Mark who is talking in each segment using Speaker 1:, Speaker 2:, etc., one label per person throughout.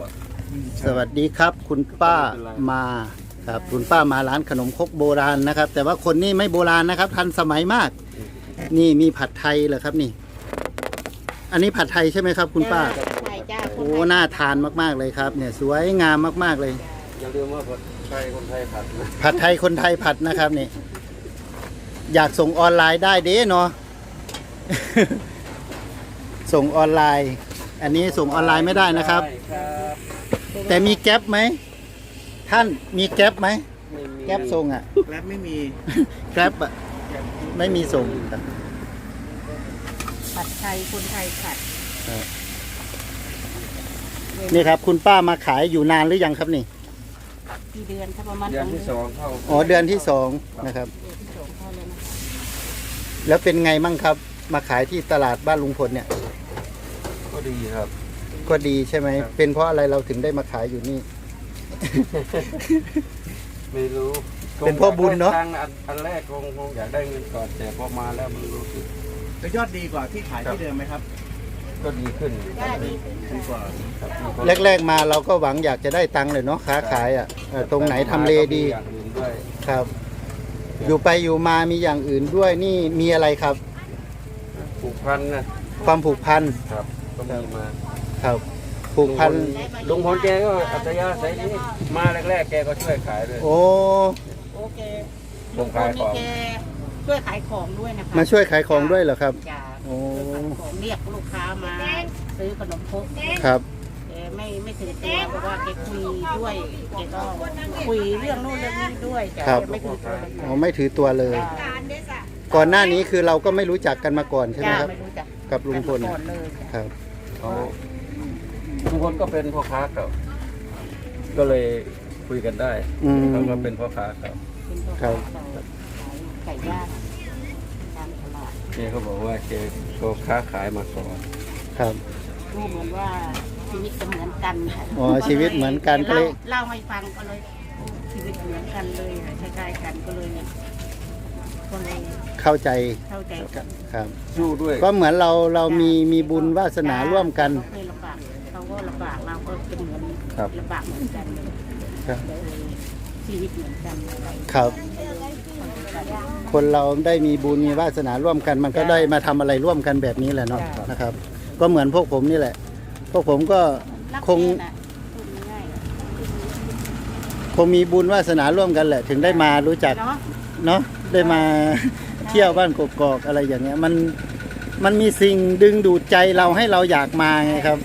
Speaker 1: สวัสดีครับคุณป้ามาครับคุณป้ามาร้านขนมครกโบราณนะครับ แต่ว่าคนนี้ไม่โบราณนะครับทันสมัยมาก นี่มีผัดไทยเหรอครับนี่ อันนี้ผัดไทยใช่ไหมครับคุณป้า
Speaker 2: ใช่จ้า
Speaker 1: โอ้น่าทานมากๆเลยครับเนี่ยสวยงามมากๆเลย
Speaker 3: อย่าลืมว่าผัดไทยคนไทยผัดนะ
Speaker 1: ผัดไทยคนไทยผัดนะครับนี่อยากส่งออนไลน์ได้เด้เนาะ ส่งออนไลน์ อันนี้ส่งออนไลน์ไม่ได้นะครับ
Speaker 3: ใช่ครับ
Speaker 1: แต่มีแก๊ปไหมท่านมีแก๊ปไหมแก๊ปส่งอ่ะ
Speaker 4: แล้วไม่มี
Speaker 1: แก๊ปอ่ะไม่มีส่งครับ
Speaker 2: ผัดไทยคนไทยผัด
Speaker 1: นี่ครับคุณป้ามาขายอยู่นานหรือยังครับนี่
Speaker 2: กี่เดือนถ้าประมาณ
Speaker 3: เดือนที่สองเข้า
Speaker 1: อ๋อเดือนที่สองนะครับ
Speaker 2: เดือนที่สองเข้าเลยนะ
Speaker 1: แล้วเป็นไงมั่งครับ มาขายที่ตลาดบ้านลุงพลเนี่ย
Speaker 3: ก็ดีครับ
Speaker 1: ก็ดีใช่ไหม
Speaker 3: ครับ
Speaker 1: เป็นเพราะอะไรเราถึงได้มาขายอยู่นี่
Speaker 3: ไม่รู้
Speaker 1: เป็นเพราะบุญเนอะ
Speaker 3: ตังค์อันแรกคงอยากได้เงินก่อนแต่พอมาแล้วมันรู้สึก
Speaker 4: แล้วยอดดีกว่าที่ขายที่เดิมไหมครับ
Speaker 3: ก็ดีขึ้น
Speaker 2: ได้ดี
Speaker 4: ดีกว่า
Speaker 3: ครับมีคน
Speaker 1: แรกๆมาเราก็หวังอยากจะได้ตังค์เลยเนาะค้าขายอ่ะตรงไหนทำเลดี
Speaker 3: อย่างอื่นด้วย
Speaker 1: ครับ อยู่ไปอยู่มามีอย่างอื่นด้วยนี่มีอะไรครับ
Speaker 3: ผูกพันนะ
Speaker 1: ความผูกพัน
Speaker 3: ครับก็มีมา
Speaker 1: ครับผูกพัน
Speaker 3: ลุงพลแกก็อัตยาศัยนี้มาแรกๆแกก็ช่วยขายด้วย
Speaker 1: โอ้
Speaker 2: โอเค
Speaker 3: ลุงขายของ
Speaker 2: แกช่วยขายของด้วยนะคะ
Speaker 1: มาช่วยขายของด้วยเหรอครับ
Speaker 2: จ้า
Speaker 1: โอ้
Speaker 2: ช่วยขายของเรียกลูกค้ามาซื้อขนมครก
Speaker 1: ครับ
Speaker 2: แกไม่ถือตัวเพราะว่าแกคุยด้วยแกก็คุยเรื่องนู้นเรื่องนี้ด้วยจ้ะ
Speaker 1: ครับ
Speaker 2: แกไม่ถือตัวเลย
Speaker 1: อ๋อไม่ถือตัวเลย
Speaker 2: จ้า
Speaker 1: ก่อนหน้านี้คือเราก็ไม่รู้จักกันมาก่อนใช่ไหม
Speaker 2: จ้า
Speaker 1: ครับ
Speaker 2: ไม่รู้จัก
Speaker 1: กับลุงพล
Speaker 2: ก่อนเลยจ้ะ
Speaker 1: ครับ
Speaker 3: เขาลุงพลก็เป็นพ่อค้าเก่าก็เลยคุยกันได้
Speaker 1: อืม
Speaker 3: เขาก็เป็นพ่อค้าเก่า
Speaker 2: เป็นพ่อ
Speaker 1: ครับ
Speaker 2: ค้าขายไก่ย่างตามตลาด
Speaker 3: แกเขาบอกว่าแกก็ค้าขายมาก่อน
Speaker 1: ครับ
Speaker 2: ดูเหมือนว่าชีวิตจะเหมือนกันค่ะ
Speaker 1: อ๋อชีวิตเหมือนกันก็เลย
Speaker 2: เล่าให้ฟังก็เลยโอ้ชีวิตเหมือนกันเลยค่ะคล้ายๆกันก็เลยเนี่ยก็เลย
Speaker 1: เข้าใจ
Speaker 2: เข้าใจกัน
Speaker 1: ครับ
Speaker 3: สู้ด้วย
Speaker 1: ก็เหมือนเรามีบุญวาสนาร่วมกัน
Speaker 2: เขาเคยลำบากเขาก็ลำบากเราก็เป็นเหมือน
Speaker 3: ครับ
Speaker 2: ลำบากเหมือนกันเลย
Speaker 1: ครับ
Speaker 2: เลยชีวิตเหมือนกันอะไร
Speaker 1: ครับ คนเราได้มีบุญมีวาสนาร่วมกัน มันก็ได้มาทำอะไรร่วมกันแบบนี้แหละเนาะนะครับ ก็เหมือนพวกผมนี่แหละ พวกผมก็
Speaker 2: รัก
Speaker 1: คง
Speaker 2: แม่น่ะพูดง่ายๆอะ
Speaker 1: คงมีบุญวาสนาร่วมกันแหละ ถึงได้มารู้จัก
Speaker 2: เนาะ
Speaker 1: เนาะได้มาเที่ยวบ้านกกอกอะไรอย่างเงี้ยมันมีสิ่งดึงดูดใจเราให้เราอยากมาไงครับ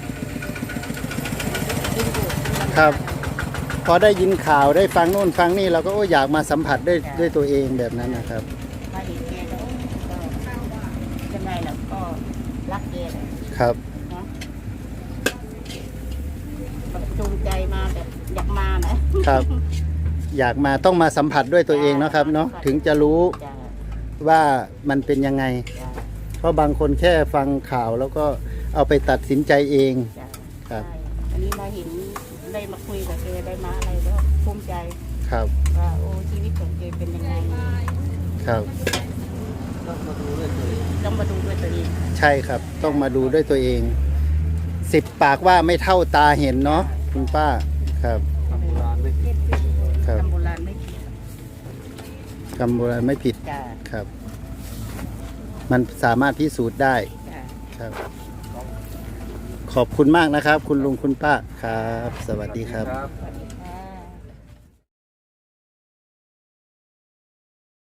Speaker 2: ดึงดูด
Speaker 1: ครับ พอได้ยินข่าวได้ฟังโน่นฟังนี่เราก็โอ้อยากมาสัมผัสด้วยตัวเองแบบนั้นนะครับ
Speaker 2: มาเห็นแกแล้วก็ยังไงล่ะก็รักแกเลย
Speaker 1: ครับ
Speaker 2: เนาะแบบจูงใจมาแบบอยากมานะ
Speaker 1: ครับ อยากมาต้องมาสัมผัสด้วยตัวเองนะครับเนาะถึงจะรู้
Speaker 2: จ้ะ
Speaker 1: ว่ามันเป็นยังไง
Speaker 2: จ้ะ
Speaker 1: เพราะบางคนแค่ฟังข่าวแล้วก็เอาไปตัดสินใจเอง
Speaker 2: จ้ะ
Speaker 1: ครับ
Speaker 2: ใช่อันนี้มาเห็นได้มาคุยกับแกได้มาอะไรแล้วภูมิใจ
Speaker 1: ครับ
Speaker 2: ว่าโอ้ชีวิตของแกเป็นยังไง
Speaker 1: ครับ
Speaker 3: ต้องมาดูด้วยตัวเอง
Speaker 2: ต้องมาดูด้วยตัวเอง
Speaker 1: ใช่ครับ ต้องมาดูด้วยตัวเอง10 ปากว่าไม่เท่าตาเห็นเนาะคุณป้าครับ
Speaker 3: ทำโบราณไม่ผิด
Speaker 1: ครับ
Speaker 2: ทำโบราณไม่ผิด
Speaker 1: คำโบราณไม่ผิด
Speaker 2: จ้ะ
Speaker 1: ครับ มันสามารถพิสูจน์ได้
Speaker 2: จ้ะ
Speaker 1: ครับ ขอบคุณมากนะครับ คุณลุงคุณป้าครับ สวัสดีครับ
Speaker 3: ครับ
Speaker 2: สวัสดี